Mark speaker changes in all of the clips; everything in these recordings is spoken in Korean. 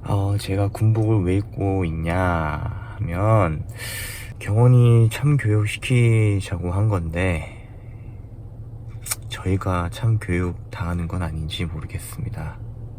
Speaker 1: 제가 군복을 왜 입고 있냐 하면 경원이 참교육 시키자고 한 건데 저희가 참교육 당하는 건 아닌지 모르겠습니다.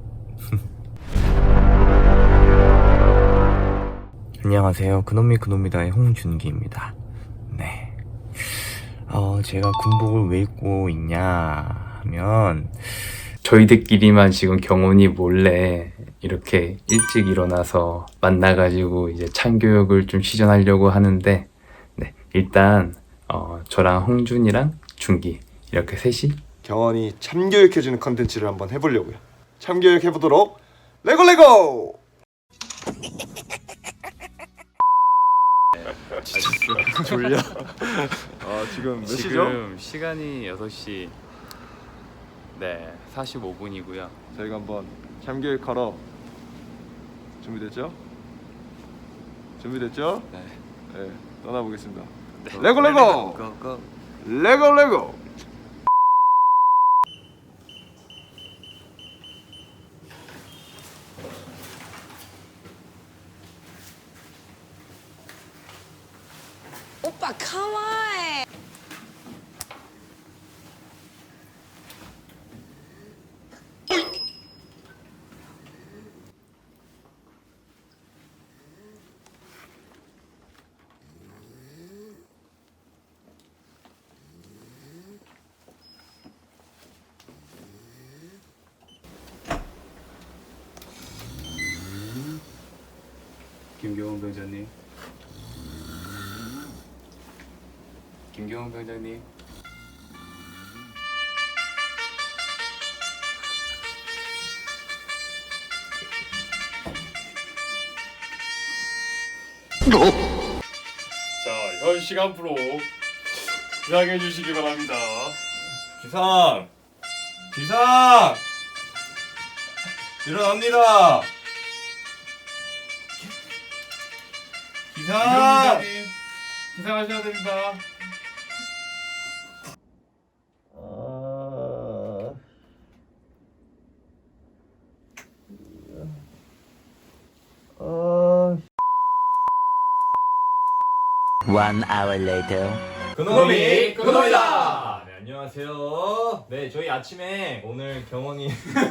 Speaker 1: 안녕하세요. 그놈이 그놈이다의 홍준기입니다. 네. 제가 군복을 왜 입고 있냐 하면
Speaker 2: 저희들끼리만 지금 경원이 몰래 이렇게 일찍 일어나서 만나가지고 이제 참교육을 좀 시전하려고 하는데, 네, 일단 저랑 홍준이랑 준기 이렇게 셋이
Speaker 3: 경원이 참교육해주는 컨텐츠를 한번 해보려고요. 참교육 해보도록 레고! 졸려. 지금 몇 시죠?
Speaker 2: 지금 시간이 6시 45분이고요.
Speaker 3: 저희가 한번 참교육하러 준비됐죠? 네, 떠나보겠습니다. 레고! 레고!
Speaker 4: 오빠 가와이.
Speaker 2: 김경원 병장님. 김경원 병장님.
Speaker 5: 자, 현 시간표로 부양해 주시기 바랍니다.
Speaker 6: 기상! 일어납니다! 기상!
Speaker 5: 기상님, 기상하셔야 됩니다.
Speaker 1: One hour later.
Speaker 6: 그놈이 그놈이다! 네, 안녕하세요. 네, 저희 아침에 오늘 경원이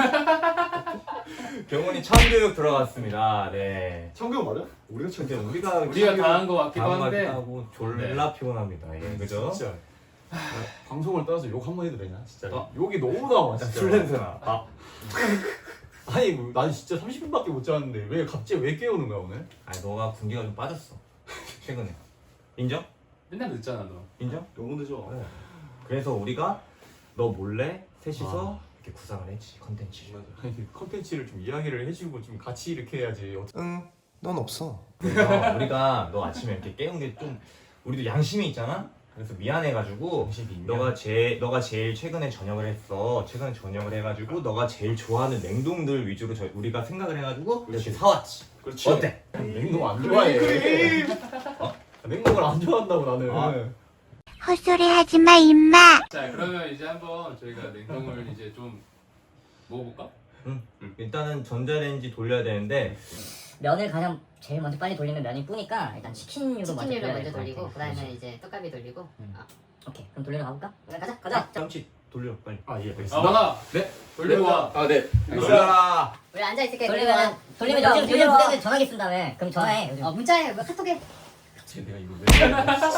Speaker 6: 참교육 들어갔습니다. 네.
Speaker 3: 참교육 맞아? 우리가
Speaker 6: 근데
Speaker 3: 참교육.
Speaker 5: 우리가 다 한 것 같기도 한데.
Speaker 6: 하고 졸라 피곤합니다. 예, 그죠?
Speaker 5: 진짜. 방송을 떠나서 욕 한 번 해도 되냐? 진짜.
Speaker 6: 어?
Speaker 5: 욕이 너무 나와, 진짜.
Speaker 6: 술 냄새나.
Speaker 5: 아니, 뭐, 난 진짜 30분밖에 못 잤는데 왜 갑자기 왜 깨우는 거야 오늘?
Speaker 6: 아니, 너가 군기가 좀 빠졌어. 최근에. 인정?
Speaker 5: 맨날 늦잖아 너.
Speaker 6: 인정?
Speaker 3: 너무 늦어.
Speaker 6: 그래서 우리가 너 몰래 셋이서 이렇게 구상을 했지, 컨텐츠.
Speaker 5: 아니 컨텐츠를 좀 이야기를 해주고 좀 같이 이렇게 해야지.
Speaker 3: 응, 넌 없어.
Speaker 6: 그래서 우리가 너 아침에 이렇게 깨운 게 좀 우리도 양심이 있잖아. 그래서 미안해가지고 너가 제일 최근에 전역을 했어. 최근에 전역을 해가지고 너가 제일 좋아하는 냉동들 위주로 우리가 생각을 해가지고 이렇게 사왔지.
Speaker 5: 그렇지.
Speaker 6: 어때?
Speaker 5: 냉동 안 좋아해. 냉동을 안 좋아한다고 나는.
Speaker 7: 헛소리 하지 마, 임마.
Speaker 5: 자 그러면 이제 한번 저희가 냉동을 이제 좀 먹어볼까?
Speaker 6: 일단은 전자레인지 돌려야 되는데
Speaker 8: 면을 가장 제일 먼저 빨리 돌리면 면이 뿌니까 일단 치킨류로
Speaker 4: 치킨류를
Speaker 8: 먼저
Speaker 4: 먼저
Speaker 8: 돌려야
Speaker 4: 돌리고
Speaker 8: 될것 같아.
Speaker 4: 그다음에 이제 떡갈비 돌리고.
Speaker 8: 오케이 그럼 돌리러 가볼까? 그래, 가자.
Speaker 6: 짬치 돌려 빨리.
Speaker 5: 아 예, 알겠습니다. 만화. 네. 돌리고 와.
Speaker 3: 아, 네.
Speaker 6: 돌려라.
Speaker 4: 우리 앉아 있을게.
Speaker 8: 돌리면 요즘 부대들 전화기 쓴다며. 그럼 전화해 요즘.
Speaker 4: 문자해, 뭐 카톡해.
Speaker 5: 내가 이거 왜?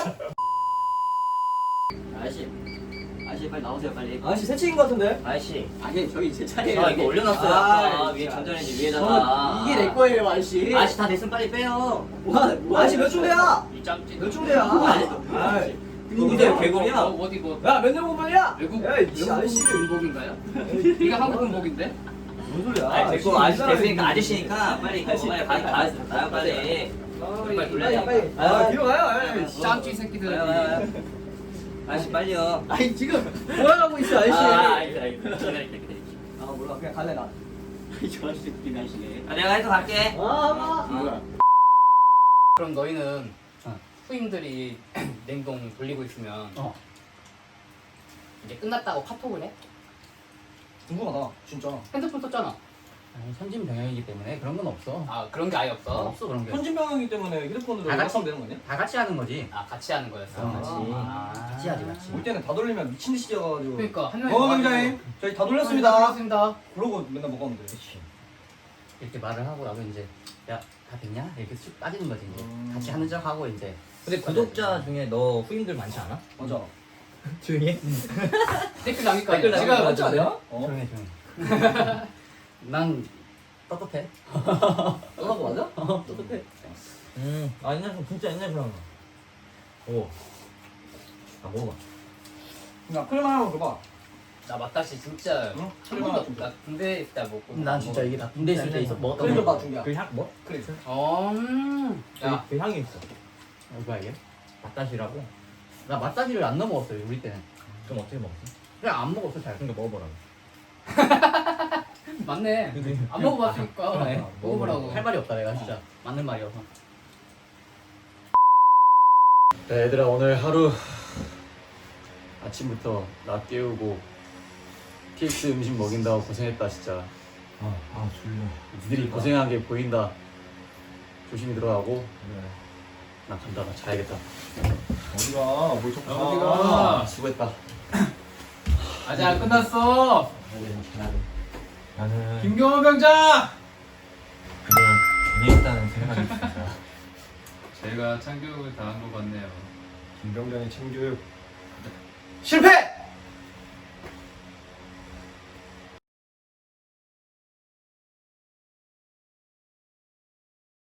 Speaker 8: 아저씨 빨리 나오세요 빨리.
Speaker 9: 아저씨 새치인 것 같은데?
Speaker 8: 아저씨.
Speaker 9: 아니 저기 제 차례예요.
Speaker 8: 저 이거 올려놨어요. 아까 위에 전자레인지 위에다가.
Speaker 9: 이게 내 거예요 아저씨.
Speaker 8: 아저씨 다 됐으면 빨리 빼요.
Speaker 9: 아저씨 몇 중대야?
Speaker 8: 이 짬찌.
Speaker 9: 몇 중대야?
Speaker 8: 근데 개구리야.
Speaker 9: 어디 뭐? 야몇 년 공부야?
Speaker 8: 외국
Speaker 9: 이 아저씨
Speaker 8: 군복인가요? 이게 한국 군복인데?
Speaker 9: 뭔 소리야?
Speaker 8: 아니 됐고 아저씨 됐으니까 아저씨니까 빨리 빨리 가요 빨리. 빨리 돌려야 돼.
Speaker 9: 아 뒤로 가요.
Speaker 8: 짬찌 새끼들. 아저씨 빨리요.
Speaker 9: 아니 지금 뭐 하고 있어 아저씨?
Speaker 8: 알겠어.
Speaker 9: 아 몰라 그냥 갈래 나.
Speaker 8: 저 아저씨 웃긴 아저씨네. 내가 해서 갈게.
Speaker 9: 아
Speaker 10: 그럼 너희는 후임들이 냉동 돌리고 있으면 이제 끝났다고 카톡을 해?
Speaker 9: 궁금하다 진짜.
Speaker 10: 핸드폰 썼잖아. 아니, 선진병영이기 때문에 그런 건 없어. 아 그런 게 아예 없어? 없어 그런 게.
Speaker 5: 현진병이기 때문에 휴대폰으로
Speaker 10: 다 같이
Speaker 5: 연락하면 되는 거 아니야?
Speaker 10: 다 같이 하는 거지. 아 같이 하는 거였어. 같이 하지 같이.
Speaker 5: 올 때는 다 돌리면 미친 듯이 져가지고.
Speaker 10: 그러니까 한 명이
Speaker 5: 병장님 저희 다 돌렸습니다.
Speaker 10: 돌렸습니다.
Speaker 5: 그러고 맨날 먹었는데.
Speaker 10: 이렇게 말을 하고 나도 이제 야 다 됐냐 이렇게 쑥 빠지는 거지 이제. 같이 하는 척 하고 이제.
Speaker 8: 근데 구독자 중에 너 후임들 많지 않아?
Speaker 5: 맞아.
Speaker 8: 조용히 해.
Speaker 10: 댓글 남길까?
Speaker 8: 댓글
Speaker 10: 지금
Speaker 8: 남길까?
Speaker 5: 맞지 않아요?
Speaker 10: 조용해 조용해. 난 떳떳해.
Speaker 5: 너하고 맞아?
Speaker 10: 떳떳해.
Speaker 8: 아 옛날 사람 진짜 옛날 사람. 오. 아 먹어봐.
Speaker 5: 야 크림 하나 먹어봐.
Speaker 10: 나 맛다시 진짜
Speaker 5: 응?
Speaker 10: 한 번도 나 군대 있다 먹고.
Speaker 9: 난 진짜 이게 나 군대 있을 때 있어 먹었던
Speaker 5: 크림
Speaker 9: 거.
Speaker 5: 봐 준비야.
Speaker 8: 그 향 뭐?
Speaker 5: 크림.
Speaker 10: 야,
Speaker 8: 그 향이 있어.
Speaker 10: 뭐야 이게?
Speaker 8: 맛다시라고.
Speaker 9: 나 맛다시를 안 넣어 먹었어요 우리 때는.
Speaker 8: 좀 어떻게 먹었어?
Speaker 9: 그냥 안 먹었어 잘.
Speaker 8: 그러니까 먹어보라고.
Speaker 10: 맞네. 안 먹어봤으니까
Speaker 9: 그래.
Speaker 10: 먹어보라고.
Speaker 9: 할 말이 없다 내가 진짜. 맞는 말이어서. 야, 얘들아 오늘 하루 아침부터 나 깨우고 PX 음식 먹인다고 고생했다 진짜.
Speaker 8: 아 졸려.
Speaker 9: 니들이 고생한 게 보인다. 조심히 들어가고. 나 간다. 나 자야겠다.
Speaker 3: 어디가? 뭘 자꾸
Speaker 9: 어디가? 수고했다.
Speaker 10: 아직 안 끝났어.
Speaker 8: 나는
Speaker 10: 김경호 병장.
Speaker 8: 그걸 괜히 했다는 생각이 듭니다.
Speaker 2: 제가 참교육을 당한 것 같네요.
Speaker 3: 김병장의 참교육
Speaker 9: 실패!